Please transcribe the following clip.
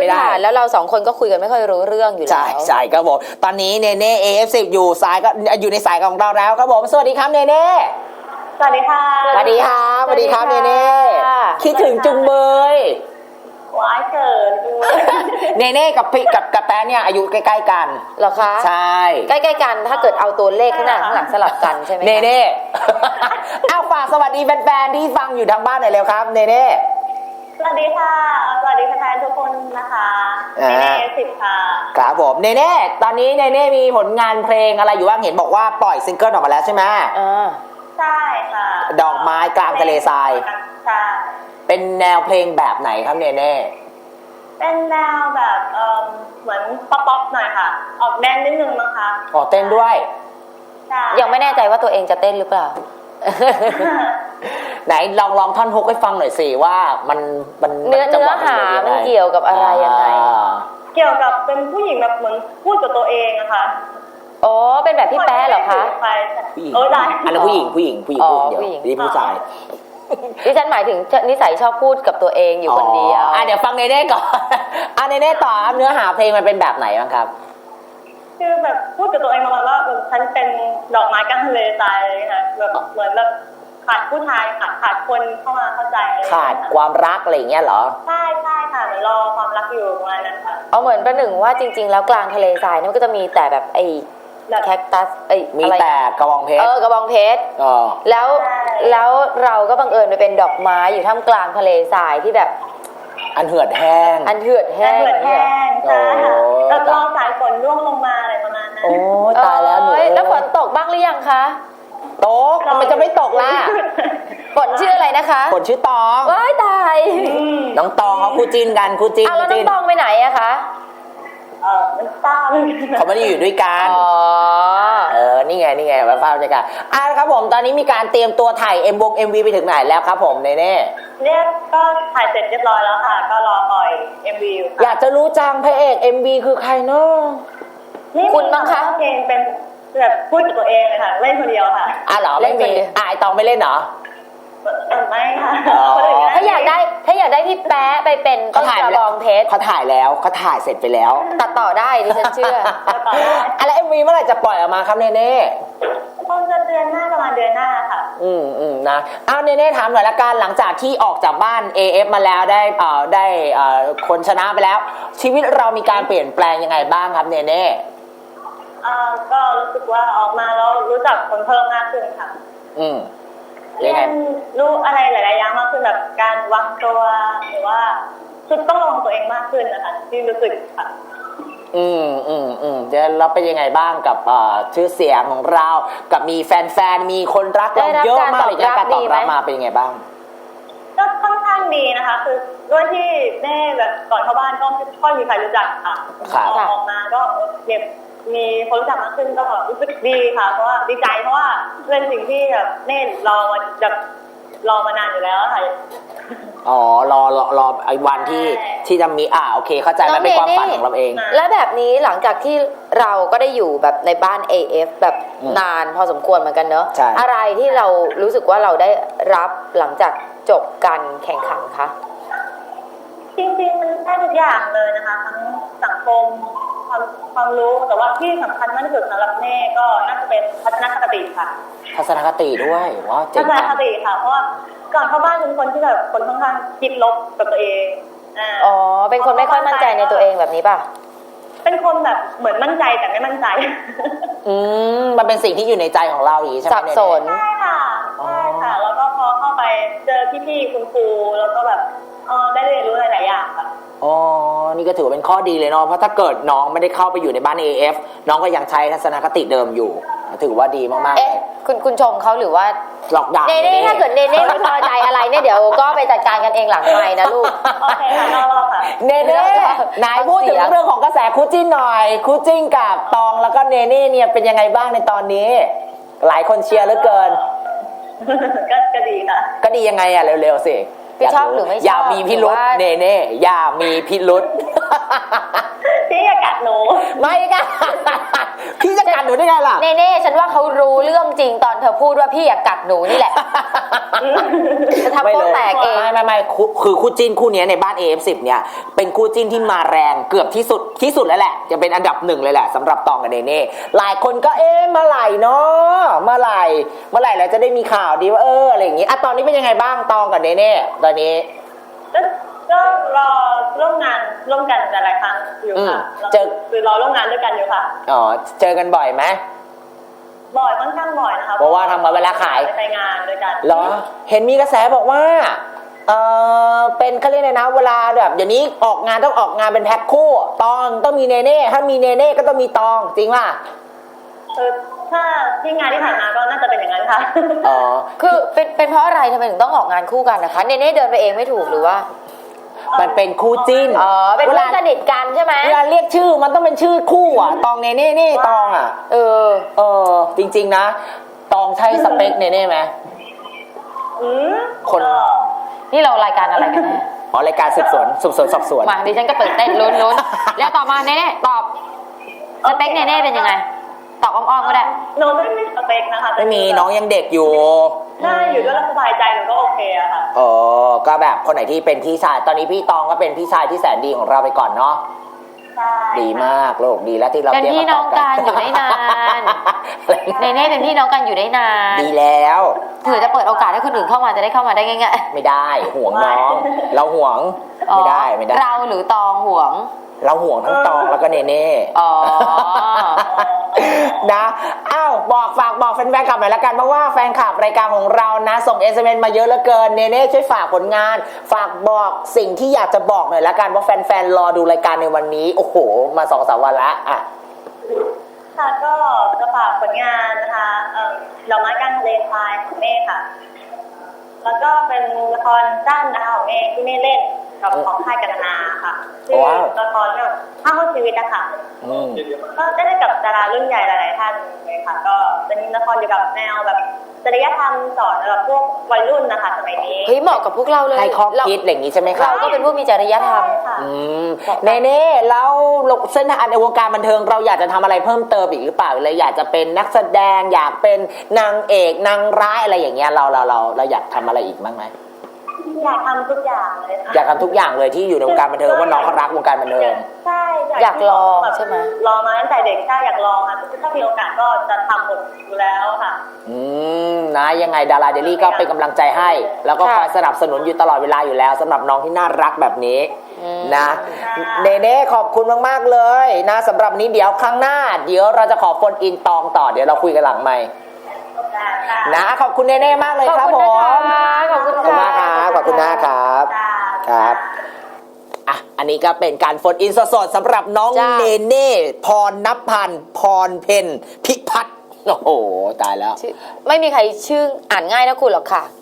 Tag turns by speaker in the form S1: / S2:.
S1: ผ่านแล้วเราสองคนก็คุยกันไม่ค่อยรู้เรื่องอยู่แล้ว
S2: ใช่ครับผมตอนนี้เนเน่ AF10 อยู่ในสายของเราแล้วครับผมสวัสดีครับเนเน่
S3: สวัสดีค่ะ
S2: สวัสดีครับสวัสดีครับเนเน่คิดถึงจุงเบย
S3: ว้ายเกิน
S2: เนเน่กับแป๊ะเนี่ยอายุใกล้ๆกัน
S1: เหรอคะ
S2: ใช่
S1: ใกล้ๆกันถ้าเกิดเอาตัวเลขข้างหน้าข้างหลังสลับกันใช่ไหม
S2: เนเน่เอาฝากสวัสดีแฟนๆที่ฟังอยู่ทางบ้านหน่อยเร็วครับเนเน่
S3: สวัสดีค่ะสวัสดีแฟนๆทุกคนนะคะเนเน่10ค่ะ
S2: ครับผมเนเน่ตอนนี้เนเน่มีผลงานเพลงอะไรอยู่บ้างเห็นบอกว่าปล่อยซิงเกิลออกมาแล้วใช่ไหม
S3: ใช่ค่ะ
S2: ดอกไม้กลางทะเลทราย
S3: ใช่
S2: เป็นแนวเพลงแบบไหนครับเนเน่
S3: เป็นแนวแบบเหมือนป๊อปๆหน่อยค่ะออกแดนนิดนึงมั้งคะ
S2: อ๋อเต้นด้วย
S3: ใช่
S1: ยังไม่แน่ใจว่าตัวเองจะเต้นหรือเปล่า
S2: ไหนลองท่อนฮุกให้ฟังหน่อยสิว่ามัน
S1: เนื้อหามันเกี่ยวกับอะไรยังไง
S3: เกี่ยวกับเป็นผู้หญิงแบบเหมือนพูดกับตัวเองอะค่ะ
S1: อ๋อเป็นแบบพี่แป๊ะเหรอคะ
S2: ผู้หญิงอันนั้นผู้หญิงพูดเดียวนี่ผู้ชาย
S1: ดิฉันหมายถึงนิสัยชอบพูดกับตัวเองอยู่คนเดียว
S2: เดี๋ยวฟังเนเน่ก่อนเนเน่ต่อครับเนื้อหาเพลงมันเป็นแบบไหนบ้างครับ
S3: คือแบบพูดกับตัวเองประมาณว่าฉันเป็นดอกไม้กลางทะเลทรายเลยค่ะแบบเหมือนแบบขาดผู้ชายขาดคนเข้ามาเข้าใจ
S2: ขาดความรักอะไรอย่างเงี้ยเหรอ
S3: ใช่ค่ะเหมือนรอความรักอยู่ประมาณนั้นค่ะ
S1: เอาเหมือนประหนึ่งว่าจริงๆแล้วกลางทะเลทรายนี่มันก็จะมีแต่แบบไอ้แคคตัส
S2: มีแต่กระบองเพชร
S1: กระบองเพชรแล้วเราก็บังเอิญไปเป็นดอกไม้อยู่ท่ามกลางทะเลทรายที่แบบ
S2: อันเหือดแห้ง
S3: ใช่ค่ะแล้วรอสายฝนร่วงลงมาอะไรประมาณนั้น
S2: โอ้ตายแล้วหนู
S1: แล้วฝนตกบ้างหรือยังคะ
S2: ตกมันจะไม่ตกล่ะ
S1: ฝนชื่ออะไรนะคะ
S2: ฝนชื่อตอง
S1: ว้ายตาย
S2: น้องตองเขาคู่จิ้นกันคู่จิ้น
S1: แล้วน้องตองไปไหนอะคะ
S2: เขาไม่ได้อยู่ด้วยกันนี่ไงภาพบรรยากาศครับผมตอนนี้มีการเตรียมตัวถ่ายMV ไปถึงไหนแล้วครับผมเนเน่
S3: เนี่ยก็ถ่ายเสร็จเรียบร้อยแล้วค่ะก็รอปล่อย MV อยู่
S2: อยากจะรู้จังพระเอก MV คือใครเนาะ
S1: คุณบ้างคะ
S3: เพลงเป็นแบบพูดกับตัวเองค่ะเล่นคนเดียวค่ะ
S2: เหรอไม่มีไอตองไม่เล่นเหรอ
S3: ไม่ค่ะ
S1: ถ้าอยากได้พี่แป๊ะไปเป็นต้นกระบองเพชร
S2: เขาถ่ายแล้วเขาถ่ายเสร็จไปแล้ว
S1: ตัดต่อได้ดิฉันเชื่อ
S2: แล้ว MV เมื่อไหร่จะปล่อยออกมาครับเนเน่
S3: คงจะเดือนหน้าประมาณเดือนหน้าค่ะ
S2: นะเนเน่ถามหน่อยละกันหลังจากที่ออกจากบ้าน AF มาแล้วได้คนชนะไปแล้วชีวิตเรามีการเปลี่ยนแปลงยังไงบ้างครับเนเน่
S3: ก็รู้สึกว่าออกมาแล้วรู้จักคนเพิ่มมากขึ้นค่ะเรียนรู้อะไรหลายๆอย่างมากขึ้นแบบการวางตัวหรือว่าคือต้องระวังตัวเองมากขึ้นนะคะที่รู้สึกค่ะ
S2: เดี๋ยวเราเป็นยังไงบ้างกับชื่อเสียงของเรากับมีแฟนๆมีคนรักเราเยอะมากเลยการตอบรับมาเป็นยังไงบ้าง
S3: ก็ค่อนข้างดีนะคะคือด้วยที่แม่แบบก่อนเข้าบ้านก็ไม่ค่อยมีใครรู้จักค่ะออกมาก็มีคนรู้จักมากขึ้นก็รู้สึกดีค่ะเพราะว่าดีใจเพราะว่าเป็นสิ่งที่แบบเน่รอมานานอยู่แล้วค่ะ
S2: รอไอ้วันที่จะมีโอเคเข้าใจแล้วเป็นความฝันของเราเอง
S1: แล้วแบบนี้หลังจากที่เราก็ได้อยู่แบบในบ้าน AF แบบนานพอสมควรเหมือนกันเนอะอะไรที่เรารู้สึกว่าเราได้รับหลังจากจบการแข่งขันคะ
S3: จริงๆมันได้ทุกอย่างเลยนะคะทั้งสังคมความรู้แต่ว่าที่สำคัญมากที่สุดสำหรับแม่ก็น่าจะเป็นทัศนคติค่ะ
S2: ทัศนคติด้วยว้าวเจ๋ง
S3: ทัศนคติค่ะเพราะว่าก่อนเข้าบ้านเป็นคนที่แบบคนค่อนข้างคิดลบกับตัวเอง
S1: เป็นคนไม่ค่อยมั่นใจในตัวเองแบบนี้ป่ะ
S3: เป็นคนแบบเหมือนมั่นใจแต่ไม่มั่นใจ
S2: มันเป็นสิ่งที่อยู่ในใจของเราอย่างนี้ใช่ไหม
S1: สับสน
S3: ใช่ค่ะแล้วก็พอเข้าไปเจอพี่ๆคุณครูแล้วก็แบบได้เรียนรู้หลายๆอย่างค่ะ
S2: นี่ก็ถือเป็นข้อดีเลยเนาะเพราะถ้าเกิดน้องไม่ได้เข้าไปอยู่ในบ้าน AF น้องก็ยังใช้ทัศนคติเดิมอยู่ถือว่าดีมาก
S1: ๆคุณชมเขาหรือว่า
S2: หลอกด่า
S1: เน่ถ้าเกิดเน่ไม่พอใจอะไรเนี่ยเดี๋ยวก็ไปจัดการกันเองหลังไมค์นะลูก
S3: โอเคค่ะรอค่ะ
S2: เน่นายพูดถึงเรื่องของกระแสคู่จิ้นหน่อยคู่จิ้นกับตองแล้วก็เน่เนี่ยเป็นยังไงบ้างในตอนนี้หลายคนเชียร์เหลือเกิน
S3: ก็ดีค่ะ
S2: ก็ดียังไงเร็วๆสิ
S1: พี่ชอบหรือไม่ชอบ
S2: อย่ามีพิรุธเน่อย่ามีพิรุธ
S3: พี่อย่ากัดหนู
S2: ไม่กัน พี่จะกัดหนูได้ไงล่ะ
S1: เน่ๆฉันว่าเขารู้เรื่องจริงตอนเธอพูดว่าพี่อยากกัดหนูนี่แหละ จะทำโป๊ะแตกเอง
S2: ไม่คือคู่จิ้นคู่นี้ในบ้าน AF10 เนี่ยเป็นคู่จิ้นที่มาแรงเกือบที่สุดแล้วแหละจะเป็นอันดับ1เลยแหละสำหรับตองกับเนเน่หลายคนก็เมื่อไหร่เนาะเมื่อไหร่เราจะได้มีข่าวดีว่าอะไรอย่างงี้ตอนนี้เป็นยังไงบ้างตองกับเนเน่ตอนนี้
S3: ก็รอร่วมงานร่วมกันหลายครั้งอยู่ค่ะคือรอร่วมงานด้วยกันอยู่ค่ะ
S2: อ๋อเจอกันบ่อยไหม
S3: บ่อยค่อนข้างบ่อยนะคะ
S2: เพราะว่าทำมาเวลาขาย
S3: ไปงานด้วยกัน
S2: เหรอเห็นมีกระแสบอกว่าเป็นเขาเรียกอะไรนะเวลาแบบเดี๋ยวนี้ออกงานต้องออกงานเป็นแพ็คคู่ตองต้องมีเนเน่ถ้ามีเนเน่ก็ต้องมีตองจริงป่ะ
S3: ถ้าที่งานที่ผ่านมาก็น่าจะเป็นอย่างนั้นค่ะ
S2: อ๋อ
S1: คือเป็นเพราะอะไรทำไมถึงต้องออกงานคู่กันนะคะเนเน่เดินไปเองไม่ถูกหรือว่า
S2: มันเป็นคู่จิ้น
S1: เป็นเพื่อนสนิทกันใช่ไหม
S2: เวลาเรียกชื่อมันต้องเป็นชื่อคู่ตองเนเน่นี่ตองจริงๆนะตองใช่สเปคเนเน่ไหมคน
S1: นี่เรารายการอะไรกันแน่
S2: รายการสืบสวนสอบสวน
S1: มาดิฉันก็ตื่นเต้นลุ้นแล้วต่อมาเนเน่ตอบสเปคเนเน่เป็นยังไงตอบอ้อมๆก็ได้
S3: หนูไม่มีสเปคนะคะ
S2: ไม่มีน้องยังเด็กอยู่
S3: ใช่อยู่ด้วยแล้วสบายใจหนูก็โอเคอะค่ะ
S2: ก็แบบคนไหนที่เป็นพี่ชายตอนนี้พี่ตองก็เป็นพี่ชายที่แสนดีของเราไปก่อนเนาะดีมากโลกดีแล้วที่เรา
S1: เป็นพี่น้องกันอยู่ได้นานเนเน่เป็นพี่น้องกันอยู่ได้นาน
S2: ดีแล้ว
S1: เผื่อจะเปิดโอกาสให้คนอื่นเข้ามาจะได้เข้ามาได้ง่าย
S2: ๆไม่ได้ห่วงน้องเราห่วงไม่ได้
S1: เราหรือตองห่วง
S2: เราห่วงทั้งตองแล้วก็เนเน่นะฝากบอกแฟนๆกลับหน่อยละกันเพราะว่าแฟนคลับรายการของเรานะส่ง SMS มาเยอะเหลือเกินเนเน่ช่วยฝากผลงานฝากบอกสิ่งที่อยากจะบอกหน่อยละกันเพราะแฟนๆรอดูรายการในวันนี้โอ้โหมา 2-3 วันละ
S3: ค่ะก็จะฝากผลงานนะคะดอกไม้กลางทะเลทรายของเมฆค่ะแล้วก็เป็นละครสั้นนะคะของเมฆที่เมฆเล่นกับของค่ายกันนาค่ะชื่อละครแบบภาพชีวิตนะคะก็ได้เล่นกับดารารุ่นใหญ่หลายๆท่านเลยค่ะก็เป็นละครเกี่ยวกับแนวแบบจริยธรรมสอนแบบพวกวัยรุ่นนะคะสมัยนี้
S1: เฮ้ยเหมาะกับพวกเราเลย
S2: ให้ข้อคิดอย่างนี้ใช่ไหมคะ
S1: เราก็เป็นผู้มีจริยธรรม
S2: เน่แล้วเส้นทางในวงการบันเทิงเราอยากจะทำอะไรเพิ่มเติมอีกหรือเปล่าเลยอยากจะเป็นนักแสดงอยากเป็นนางเอกนางร้ายอะไรอย่างเงี้ยเราอยากทำอะไรอีกบ้างไหม
S3: อยากทำทุกอย่างเลย
S2: อยากทำทุกอย่างเลยที่อยู่ในวงการบันเทิงว่าน้องเขารักวงการบันเทิง
S3: ใช่
S1: อยากลองใช่ไหม
S3: ลองมาตั้งแต่เด็กใช่อยากลองค่ะถ้ามีโอกาสก็จะทำหมดอยู่แล้วค่ะ
S2: นะยังไงดาราเดลี่ก็เป็นกำลังใจให้แล้วก็คอยสนับสนุนอยู่ตลอดเวลาอยู่แล้วสำหรับน้องที่น่ารักแบบนี้นะเน่ขอบคุณมากๆเลยนะสำหรับนี้เดี๋ยวครั้งหน้าเดี๋ยวเราจะขอโฟนอินตองต่อเดี๋ยวเราคุยกันหลังไมค์นะขอบคุณเน่ๆมากเลยครับผม
S1: ขอบคุณ
S2: มากครับขอบคุณนะครับครับอันนี้ก็เป็นการโฟนอินสดๆสำหรับน้องเน่พรณพันธ์พรเพ็ญพิพัฒน์โอ้โหตายแล้ว
S1: ไม่มีใครชื่ออ่านง่ายนะคุณหรอกค่ะ